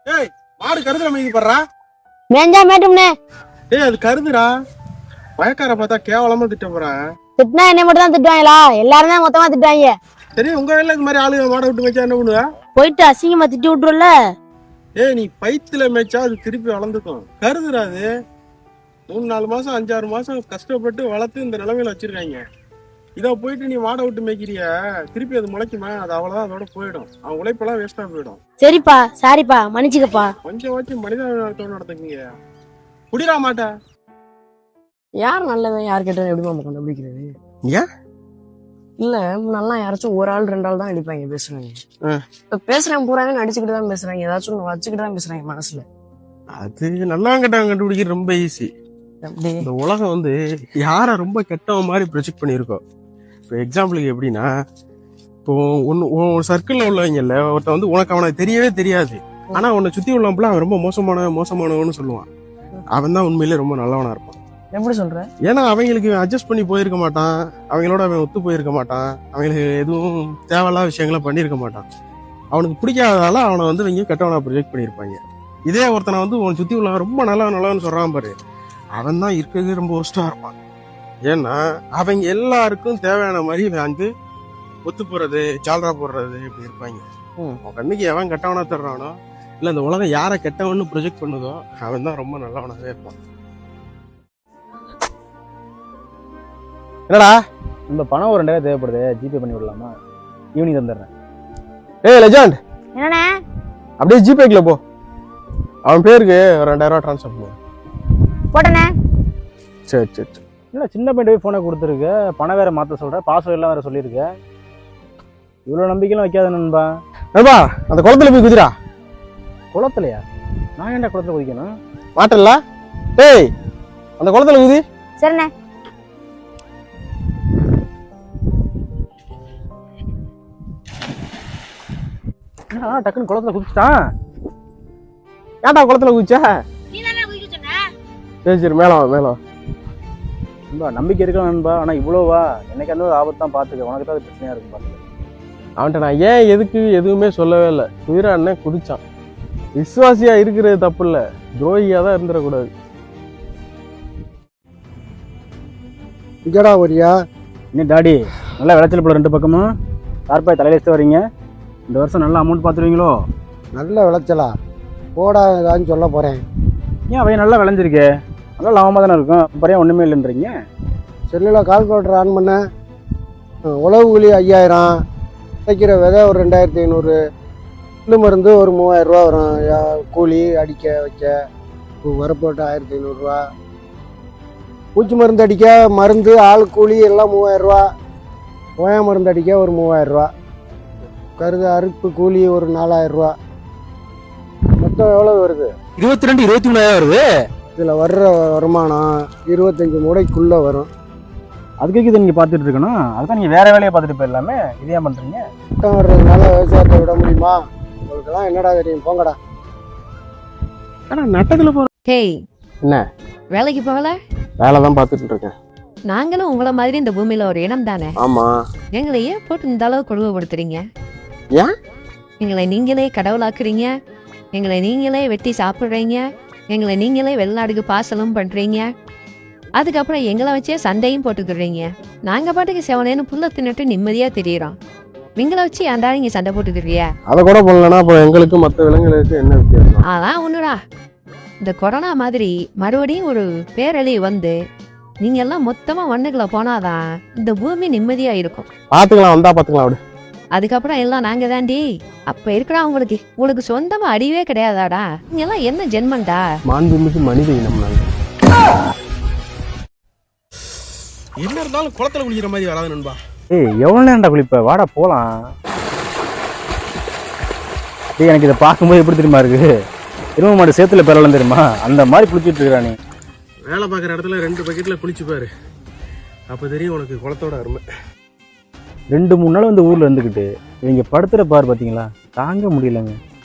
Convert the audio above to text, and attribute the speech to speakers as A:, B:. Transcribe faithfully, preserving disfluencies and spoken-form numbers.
A: ஏய் மாடு கருதுல மேய்க்கு போடுறா.
B: மேஞ்சா மேட்டும்னே.
A: ஏய் அது கருதுடா. வயக்கார பார்த்தா கேவலமா திட்ட போறேன்.
B: திட்டினா என்னை மட்டும் தான் திட்டுவாங்களா? எல்லாரும் தான் மொத்தமா திட்டுவாங்க.
A: சரி உங்க வேலை இந்த மாதிரி ஆளுங்க மாடை விட்டு மேய்ச்சா என்ன பண்ணுவ?
B: போயிட்டு அசிங்கமா திட்டி விட்டுருல.
A: ஏய் நீ பைத்துல மேய்ச்சா அது திருப்பி வளர்ந்துக்கும். கருதுடா அது. மூணு நாலு மாசம் அஞ்சாறு மாசம் கஷ்டப்பட்டு வளர்த்து இந்த நிலைமையில வச்சிருக்காங்க. இதை போயிட்டு நீ மாடை விட்டு மேய்க்கிறிய, திருப்பி அது முளைக்குமா? அது அவ்வளவுதான், அதோட போயிடும். அவன் உழைப்பெல்லாம் வேஸ்டா போயிடும்.
B: சரிப்பா, சாரிப்பா, மன்னிச்சுக்கப்பா.
A: கொஞ்சம் வச்சு மனிதாபிமானத்தோட நடந்துக்குங்க. குடிரா மாட்டா.
C: யார் நல்லவன் யார் கேட்டவன் எப்படி நம்ம கண்டுபிடிக்கிறது?
A: ஏன்
C: இல்ல நல்லா யாராச்சும் ஒரு ஆள் ரெண்டு ஆள் தான் அடிப்பாங்க பேசுறாங்க. இப்ப பேசுறேன் பூராவே நடிச்சுக்கிட்டு தான் பேசுறாங்க, ஏதாச்சும் ஒண்ணு வச்சுக்கிட்டு தான் பேசுறாங்க மனசுல.
A: அது நல்லா கெட்டவன் கண்டுபிடிக்கிறது ரொம்ப ஈஸி. இந்த உலகம் வந்து யாரை ரொம்ப கெட்டவன் மாதிரி ப்ரொஜெக்ட் பண்ணியிருக்கோம். இப்போ எக்ஸாம்பிளுக்கு எப்படின்னா, இப்போ ஒன்று உன் சர்க்கிளில் உள்ளவங்கல்ல ஒருத்தன் வந்து உனக்கு அவனை தெரியவே தெரியாது, ஆனா உன்னை சுத்தி உள்ளவன் அவன் ரொம்ப மோசமானவன் மோசமானவன்னு சொல்லுவான். அவன் தான் உண்மையிலே ரொம்ப நல்லவனா இருப்பான்.
C: எப்படி சொல்ற?
A: ஏன்னா அவங்களுக்கு அட்ஜஸ்ட் பண்ணி போயிருக்க மாட்டான், அவங்களோட அவன் ஒத்து போயிருக்க மாட்டான், அவங்களுக்கு எதுவும் தேவையில்லாத விஷயங்களை பண்ணியிருக்க மாட்டான். அவனுக்கு பிடிக்காததால அவனை வந்து இவங்க கெட்டவனா ப்ரொஜெக்ட் பண்ணியிருப்பாங்க. இதே ஒருத்தனை வந்து உன் சுத்தி உள்ள ரொம்ப நல்லவன் நல்லவன்னு சொல்றான் பாரு, அவன் தான் இருக்கிறது ரொம்ப ஒஸ்டா இருப்பான். ஏன்னா அவங்க எல்லாருக்கும் தேவையான மாதிரி வந்து ஒத்து போறது சால்ரா போடுறது இப்படி இருப்பாங்க. அவன் கண்ணுக்கு எவன் கெட்டவனா தர்றானோ, இல்ல இந்த உலகம் யாரை கெட்டவன்னு ப்ரொஜெக்ட் பண்ணுதோ அவன் தான் ரொம்ப நல்லவனாவே இருப்பான்.
D: என்னடா இந்த பணம் ஒரு ரெண்டாயிரம் தேவைப்படுது, ஜிபே பண்ணி விடலாமா? ஈவினிங் தந்துடுறேன்.
A: ஏய் லெஜண்ட்,
B: என்னண்ணே?
A: அப்படியே ஜிபேக்குள்ள போ, அவன் பேருக்கு ஒரு ரெண்டாயிரம் ரூபா ட்ரான்ஸ்ஃபர் பண்ணுவோம்.
B: போட்டனே.
A: சரி சரி சரி.
D: இல்லை சின்ன பையன் போய் ஃபோனை கொடுத்துருக்க, பணம் வேற மாற்ற சொல்ற, பாஸ்வேர்ட் எல்லாம் வேற சொல்லியிருக்க. இவ்வளோ நம்பிக்கைலாம் வைக்காத நண்பா.
A: நண்பா அந்த குளத்துல போய் குதிரா.
D: குளத்துலையா? நான் ஏன்டா குளத்துல குதிக்கணும்?
A: மாட்டல. ஏய் அந்த குளத்துல குதி.
B: சரிண்ணே.
D: என்னடா டக்குன்னு குளத்துல குதிச்சிட்டான்?
A: ஏன்டா குளத்துல குதிச்சா? சரி சரி மேல மேல.
D: நண்பா நம்பிக்கை இருக்கலாம் நண்பா, ஆனா இவ்வளோவா? என்னைக்கு அந்த ஆபத்து தான் பார்த்துக்க, உனக்கு தான் அது பிரச்சனையா இருக்கும் பார்த்துக்க.
A: அவன்கிட்ட நான் ஏன் எதுக்கு எதுவுமே சொல்லவே இல்லை. குதிரை அண்ணன் குதிச்சான். விசுவாசியா இருக்கிறது தப்பு இல்லை, துரோகியா தான் இருந்துடக்கூடாது.
E: இங்கடா வரியா?
D: இன்னும் டாடி நல்லா விளைச்சல் போல ரெண்டு பக்கமும் தார்பாய் தலையில வச்சு வரீங்க. இந்த வருஷம் நல்லா அமௌண்ட் பார்த்துருவீங்களோ?
E: நல்ல விளைச்சலா? போடா ஏதான்னு சொல்ல போறேன்.
D: ஏன் அவைய நல்லா விளைஞ்சிருக்கு, நல்லா லாபமாக தானே இருக்கும், அப்புறம் ஒன்றுமே இல்லைன்றீங்க?
E: செல்லில் கால்குலேட்டர் ஆன் பண்ண, உழவு கூலி ஐயாயிரம், விதைக்கிற விதை ஒரு ரெண்டாயிரத்தி ஐநூறு, புல்லு மருந்து ஒரு மூவாயிரம் ரூபா வரும், கூலி அடிக்க வைக்க வரப்போட்டு ஆயிரத்தி ஐநூறுரூவா, பூச்சி மருந்து அடிக்க மருந்து ஆள் கூலி எல்லாம் மூவாயிரரூவா, ஓயா மருந்து அடிக்க ஒரு மூவாயிரரூவா, கருது அறுப்பு கூலி ஒரு நாலாயிரரூவா, மொத்தம் எவ்வளோ வருது?
D: இருபத்தி ரெண்டு இருபத்தி மூணாயிரம் வருது.
E: இதில் வர்ற வருமானம் இருபத்தஞ்சி மூடைக்குள்ளே வரும்.
D: அதுக்கு இதை நீங்கள் பார்த்துட்டு இருக்கணும், அதுதான் நீங்கள் வேறு வேலையை பார்த்துட்டு போயிடலாமே, இதே பண்ணுறீங்க.
E: மட்டம் வர்றதுனால விவசாயத்தை விட முடியுமா? உங்களுக்கெல்லாம் என்னடா தெரியும், போங்கடா.
A: ஆனால் நட்டத்தில் போகிற
F: ஹேய்,
A: என்ன
F: வேலைக்கு போகல?
A: வேலை தான் பார்த்துட்டு இருக்கேன்.
F: நாங்களும் உங்களை மாதிரி இந்த பூமியில ஒரு இனம் தானே.
A: ஆமா.
F: எங்களை ஏன் போட்டு இந்த அளவு கொடுமைப்படுத்துறீங்க?
A: ஏன்
F: எங்களை நீங்களே கடவுளாக்குறீங்க, எங்களை நீங்களே வெட்டி சாப்பிட்றீங்க, எங்களை நீங்களே வெளிநாடுக்கு பாசலும் பண்றீங்க, அதுக்கப்புறம் எங்களை வச்சே சண்டையும் போட்டுக்கிறீங்க. நாங்க பாட்டுக்கு செவனேன்னு புல்ல தின்னுட்டு நிம்மதியா தெரியுறோம், நீங்களை வச்சு ஏன்டா நீங்க சண்டை போட்டுக்கிறிய?
A: அதை கூட பண்ணலன்னா அப்புறம் எங்களுக்கு மற்ற விலங்குகளுக்கு என்ன வித்தியாசம்?
F: அதான் ஒண்ணுடா, இந்த கொரோனா மாதிரி மறுபடியும் ஒரு பேரழிவு வந்து நீங்க எல்லாம் மொத்தமா மண்ணுக்குள்ள போனாதான் இந்த பூமி நிம்மதியா இருக்கும்.
A: பாத்துக்கலாம், வந்தா பாத்துக்கலாம் அப்படி.
F: அதுக்கப்புறம் எல்லாம் நாங்க தாண்டி. அப்ப இருக்கிறா உங்களுக்கு உங்களுக்கு சொந்தமா அறிவே கிடையாதாடா? நீங்க எல்லாம் என்ன ஜென்மண்டா?
A: மாண்புமிகு மனித இனம் நாங்க. என்ன இருந்தாலும் குளத்துல குளிக்கிற மாதிரி வராது நண்பா.
D: ஏய் எவ்வளோ நேரம்டா குளிப்ப, வாடா போகலாம். ஏய் எனக்கு இதை பார்க்கும்போது எப்படி தெரியுமா இருக்கு, இரும மாடு சேத்துல பெறலாம் தெரியுமா, அந்த மாதிரி குளிச்சுட்டு இருக்கிறா. நீ
A: வேலை பார்க்குற இடத்துல ரெண்டு பக்கெட்டில் குளிச்சு பாரு, அப்போ தெரியும் உனக்கு குளத்தோட அருமை.
D: ரெண்டு மூணு நாள் வந்து ஊரில் இருந்துக்கிட்டு இவங்க படுத்துகிற பாரு பார்த்தீங்களா, தாங்க முடியலங்க.